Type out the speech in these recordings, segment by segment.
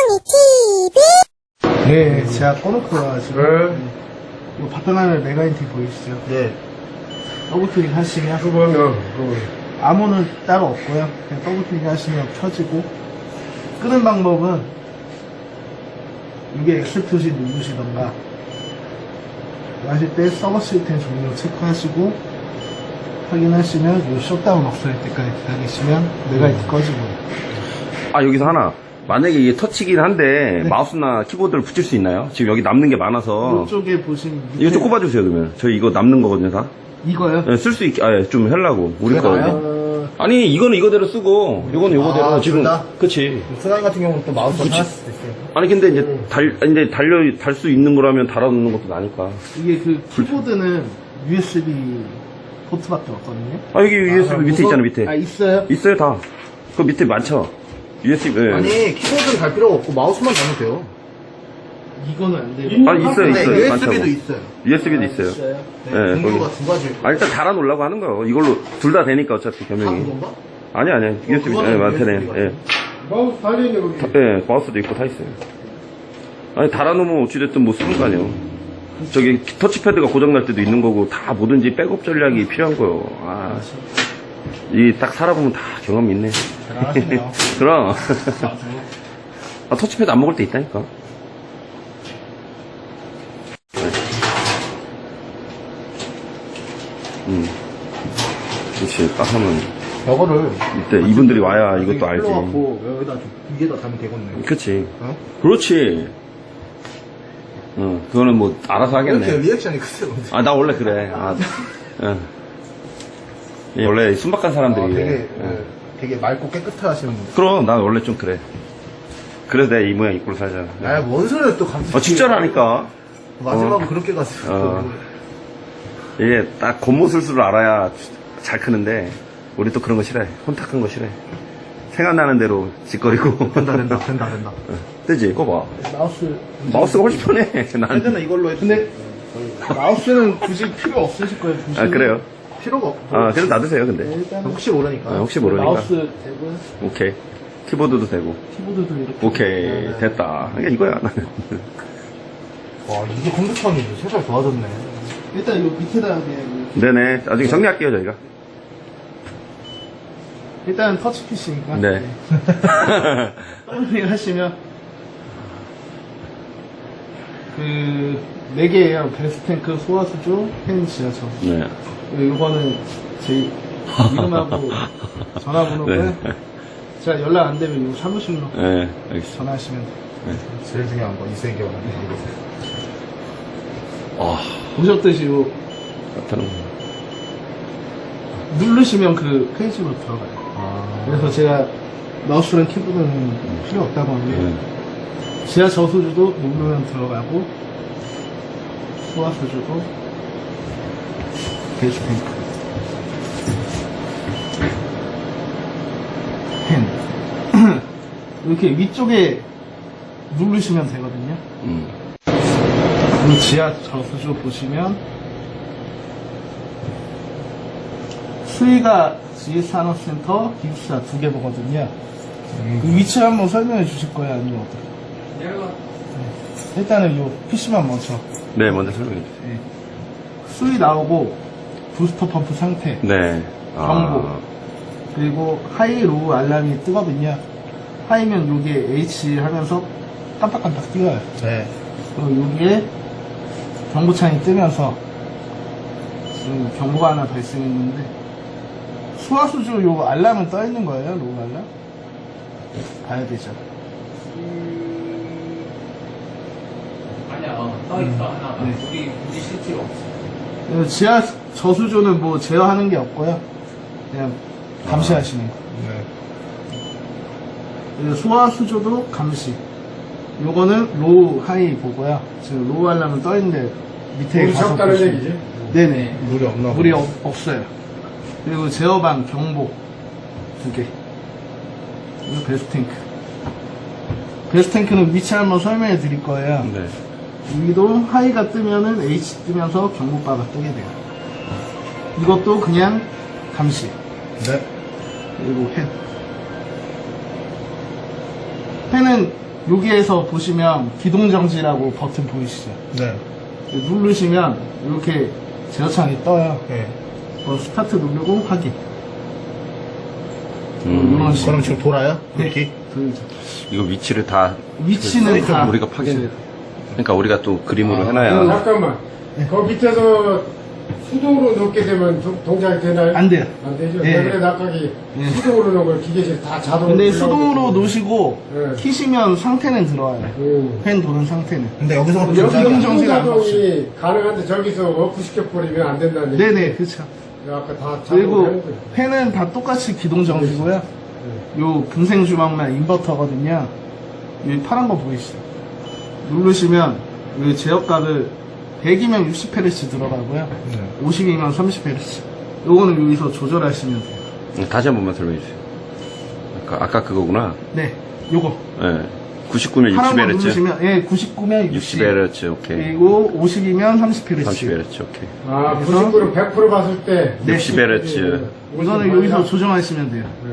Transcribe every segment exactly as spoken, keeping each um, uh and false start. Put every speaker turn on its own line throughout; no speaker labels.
네, 제가 꺼놓고 와가지고.
네.
이거 바탕화면 메가인티 보이시죠?
네.
더블클릭 하시면
그거면,
암호는 따로 없고요. 그냥 더블클릭 하시면 켜지고, 끄는 방법은 이게 엑셀 표시 누르시던가 하실 때 서버 시스템 종료 체크하시고 확인하시면 이 셧다운 없을 때까지 기다리시면 메가인티 꺼지고요.
아, 여기서 하나. 만약에 이게 터치긴 한데
네.
마우스나 키보드를 붙일 수 있나요? 지금 여기 남는 게 많아서.
이쪽에 보시면 밑에
이거 좀 꼽아주세요, 그러면. 저희 이거 남는 거거든요, 다.
이거요?
네, 쓸 수 있게, 아, 예, 좀 하려고. 우리
그게
거.
나아요?
아니, 이거는 이거대로 쓰고, 이거는 이거대로.
아,
지금.
둘 다?
그치.
승환이 같은 경우는 또 마우스가
그치.
달았을 수도 있어요.
아니, 근데 이제 달, 이제 달려, 달 수 있는 거라면 달아놓는 것도 나니까.
이게 그 키보드는 유에스비 포트밖에 없거든요.
아, 여기 유에스비 밑에
무선-
있잖아, 밑에.
아 있어요?
있어요, 다. 그 밑에 많죠? 유에스비, 예.
아니, 키보드는 갈 필요가 없고 마우스만 달면 돼요.
이거는 안 돼요.
아, 있어요,
근데
있어요.
유에스비도
많다고.
있어요.
유에스비도 있어요.
있어요?
네,
네,
종류가
거기.
두 가지.
아, 일단 달아놓으려고 하는 거예요. 이걸로 둘 다 되니까 어차피
다
겸용이.
그건가?
아니, 아니, 유에스비,
그거는
예, 많대네.
유에스비가
예.
마우스 달려있네, 거기.
다- 예, 마우스도 있고 다 있어요. 아니, 달아놓으면 어찌됐든 뭐 쓰는 거 아니에요. 저기 터치패드가 고장날 때도 있는 거고, 다 뭐든지 백업 전략이 필요한 거예요. 아, 이 딱 살아보면 다 경험이 있네.
대단하시네요.
그럼. 아, 터치패드 안 먹을 때 있다니까. 음. 그렇지, 딱 하면.
저거를.
이때 이분들이 와야 이것도 알지.
풀러갖고 여기다 좀 위에다 달면 되겠네.
그치.
어?
그렇지. 어, 그거는 뭐, 알아서
이렇게
하겠네.
리액션이 크세요.
아, 나 원래 그래. 아, 어. 예, 원래 순박한 사람들이.
아, 되게,
그래. 어.
네, 되게 맑고 깨끗하시는 분.
그럼, 난 원래 좀 그래. 그래서 내가 이 모양 입고 살잖아.
아, 뭔 소리를 또 감지.
어, 진짜라니까.
마지막은
어.
그렇게 갔어.
어. 이게 딱 겉모술수를 알아야 잘 크는데, 우리 또 그런 거 싫어해. 혼탁한 거 싫어해. 생각나는 대로 짓거리고.
된다, 된다, 된다, 된다.
어, 되지? 그거 봐.
마우스.
마우스가 훨씬 편해. 난.
예전에 이걸로 했
근데 마우스는 굳이 필요 없으실 거예요. 보시면.
아, 그래요?
필요가 없고.
아, 그래도 놔두세요, 근데.
네, 일단
혹시 모르니까.
아, 혹시 모르니까.
마우스 되고
오케이. 키보드도 되고.
키보드도 이렇게.
오케이. 됐다. 그러니까 이거야, 나는.
와, 이게 컴퓨터니 세상 좋아졌네.
일단 이 밑에다가 그냥 이렇게.
네네. 나중에 정리할게요, 저희가.
일단 터치 피시니까.
네.
더블클릭 하시면 그 네 개예요. 베스탱크, 소화수조, 펜, 지하철.
네.
이거는 제 이름하고 전화번호고요.
네.
제가 연락 안 되면 이 사무실로
네, 알겠습니다.
전화하시면 돼요.
제일 중요한 건 이세계원.
아,
보셨듯이 요
나타는 거.
누르시면 그 페이지로 들어가요.
아,
그래서 제가 마우스랑 키보드는 필요 없다고 하는데
네.
지하 저수주도 누르면 들어가고 소화수주도 베이스탱크 펜 이렇게 위쪽에 누르시면 되거든요.
음.
그 지하 저수주 보시면 수위가 지휘산업센터 기숙사 두 개 보거든요. 그 위치 한번 설명해 주실 거예요? 아니면 어떻게? 네. 일단은 이 피시만 먼저.
네, 먼저 설명해 주세요.
네. 수위 나오고 부스터 펌프 상태,
네.
경보. 그리고 하이 로우 알람이 뜨거든요. 하이면 요게 H 하면서 깜빡깜빡 뛰어요.
네.
그리고 여기에 경보창이 뜨면서 지금 경보가 하나 발생했는데 수화수주 요 알람은 떠 있는 거예요? 로우 알람? 봐야 되죠.
아니야, 떠있어, 하나.
네.
우리, 우리 실제로 없어.
어, 지하 저수조는 뭐 제어하는 게 없고요. 그냥 감시하시는 거.
네.
그리고 소화수조도 감시. 요거는 로우, 하이 보고요. 지금 로우 알람은 떠 있는데 밑에
물이
가서
섞다는
보시면-
얘기지?
네네.
물이 없나
물이
보네.
없, 없어요. 그리고 제어방, 경보 두 개. 그리고 베스탱크. 베스탱크는 위치 한번 설명해 드릴 거예요.
네.
여기도 하이가 뜨면은 H 뜨면서 경보바가 뜨게 돼요. 이것도 그냥 감시.
네.
그리고 펜. 펜은 여기에서 보시면 기동정지라고 버튼 보이시죠?
네.
누르시면 이렇게 제어창이 떠요.
네.
그 스타트 누르고 확인.
음,
이런 식으로.
그럼 지금 돌아요?
네,
이렇게?
돌죠.
이거 위치를 다
위치는 다
우리가 파견. 그러니까 우리가 또 그림으로
아,
해놔야.
잠깐만. 그 밑에서 수동으로 넣게 되면 동- 동작이 되나요?
안 돼요.
안 되죠.
예.
그래 낙각이
예.
수동으로 넣은 걸 기계실 다 자동으로.
근데
올라오고
수동으로
있거든요.
놓으시고
네.
키시면 상태는 들어와요.
음.
펜 도는 상태는.
근데 여기서부터
여기
조작이 안 돼.
정지가 안
자동이 가능한데 저기서 오프 시켜버리면 안 된다는 얘기.
네네, 그렇죠.
아까 다 자동으로 하는
그리고
거예요.
펜은 다 똑같이 기동정지고요. 요 금생 주먹만 인버터거든요. 여기 파란 거 보이시죠? 누르시면 여기 제어값을 백이면 육십 헤르츠 들어가고요.
네.
오십이면 삼십 헤르츠. 요거는 여기서 조절하시면 돼요.
음, 다시 한 번만 설명해 주세요. 아까, 아까 그거구나.
네, 요거.
예. 구십구면
파란
육십
거
헤르츠.
누르시면, 예, 구십구면 육십.
육십 헤르츠, 오케이.
그리고 오십이면 삼십 헤르츠.
삼십 헤르츠, 오케이.
아,
그래서-
구십구를 백 퍼센트 봤을 때.
네.
육십 헤르츠.
이거는 여기서 조정하시면 돼요.
네.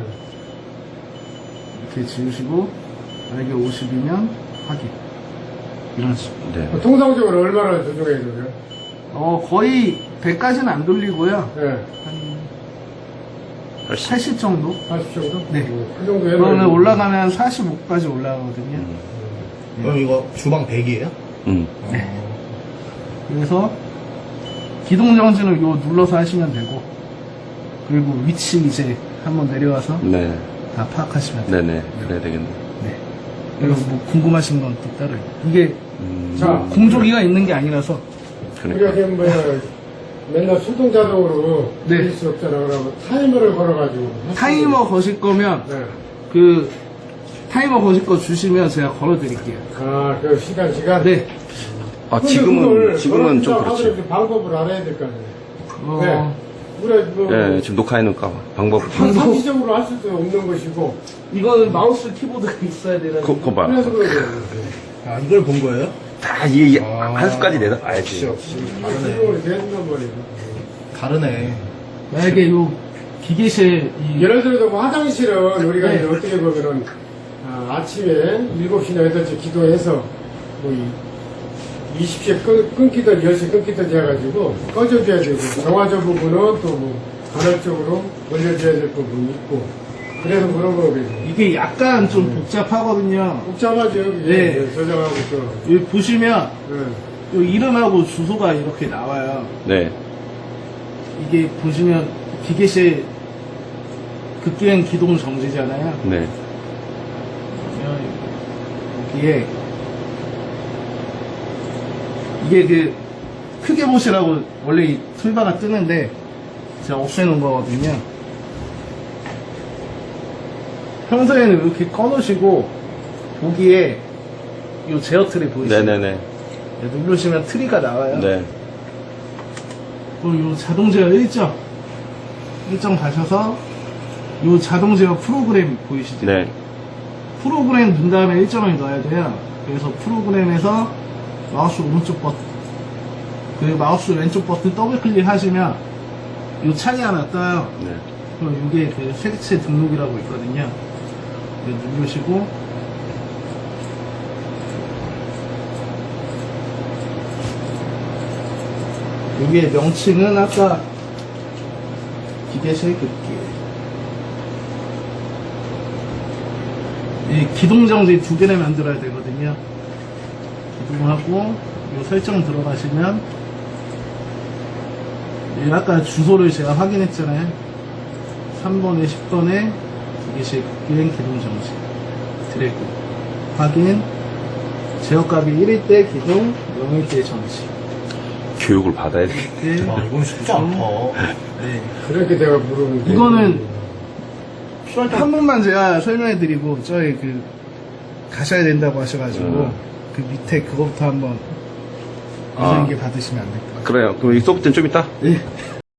이렇게 지우시고, 만약에 오십이면 확인. 이런 식으로.
네.
그 통상적으로 얼마나 조정해야 되나요?
어, 거의 백까지는 안 돌리고요.
네.
한
팔십.
팔십 정도?
팔십 정도?
네.
음, 그 정도 해놔야
그거는
돼요.
올라가면 사십오까지 올라가거든요.
음.
그럼 이거 주방 백이에요?
음.
네. 그래서 기동정지는 요 눌러서 하시면 되고, 그리고 위치 이제 한번 내려와서
네.
다 파악하시면 돼요.
네네. 그래야 되겠네.
네. 그리고 뭐 궁금하신 건 또 따로. 이게
음.
자,
공조기가 있는 게 아니라서.
우리가
그러니까.
지금 뭐 맨날 수동 자동으로
네.
돌릴 수 없잖아. 그러면 타이머를 걸어가지고. 할 수
타이머 거실 거면
있는- 네.
그 타이머 거실 거 주시면 제가 걸어 드릴게요.
아, 그 시간, 시간?
네.
아,
근데
지금은,
그걸
지금은 좀
걸어준다고
그렇지.
하더라도 방법을 알아야 될 거 아니에요.
어,
네. 우리가 뭐
예, 지금 녹화해 놓을까 봐. 방법.
상- 상시적으로 할 수도 없는 것이고.
이거는 마우스 키보드가 있어야 되는.
그, 그거 봐.
그래서 그런 거예요.
아, 이걸 본 거예요?
다 이게
아.
한 수까지 내다봐야지.
역시, 역시. 다르네.
수동으로 돼준단 말이에요.
다르네.
만약에 요 기계실 이
예를 들어서 뭐 화장실은 우리가
네.
이제 어떻게 보면은 아, 아침에 일곱 시나 여덟 시 기도해서 뭐 이- 이십 시에 끊, 끊기든 열 시에 끊기든 해가지고 꺼져줘야 되고 정화조 부분은 또 뭐 간헐적으로 올려줘야 될 부분이 있고 그래서 그런 거거든요.
이게 약간 좀 복잡하거든요.
복잡하죠 여기
네.
저장하고 또.
여기 보시면
네.
요 이름하고 주소가 이렇게 나와요.
네.
이게 보시면 기계실 급기행 기동 정지잖아요.
네.
여기에 이게 그 크게 보시라고 원래 이 툴바가 뜨는데 제가 없애놓은 거거든요. 평소에는 이렇게 꺼놓으시고 보기에 이 제어 트리 보이시죠?
네네네.
누르시면 트리가 나와요.
네.
그리고 이 자동 제어 일정 일정 가셔서 이 자동 제어 프로그램 보이시죠?
네.
프로그램 넣은 다음에 일정을 넣어야 돼요. 그래서 프로그램에서 마우스 오른쪽 버튼, 그 마우스 왼쪽 버튼 더블 클릭하시면 이 창이 하나 떠요.
네.
그럼 이게 그 색채 등록이라고 있거든요. 이거 누르시고 여기에 명칭은 아까 기계실 급기 이 기동정지 두 개를 만들어야 되거든요. 기동하고 이 설정 들어가시면 이 아까 주소를 제가 확인했잖아요. 삼 번에 십 번에 기계식 비행 기동정지 드래그 확인 제어값이 일일 때 기동 영일 때 정지
교육을 받아야 돼.
이렇게
아, 이건 쉽지 않다.
네.
그렇게 내가 물어보는데
이거는 한 번만 제가 설명해 드리고 저희 그 가셔야 된다고 하셔가지고
음.
그 밑에 그거부터 한번
아.
유선기 받으시면 안 될까요?
그래요. 그럼 이 소프트는 좀 이따?
네.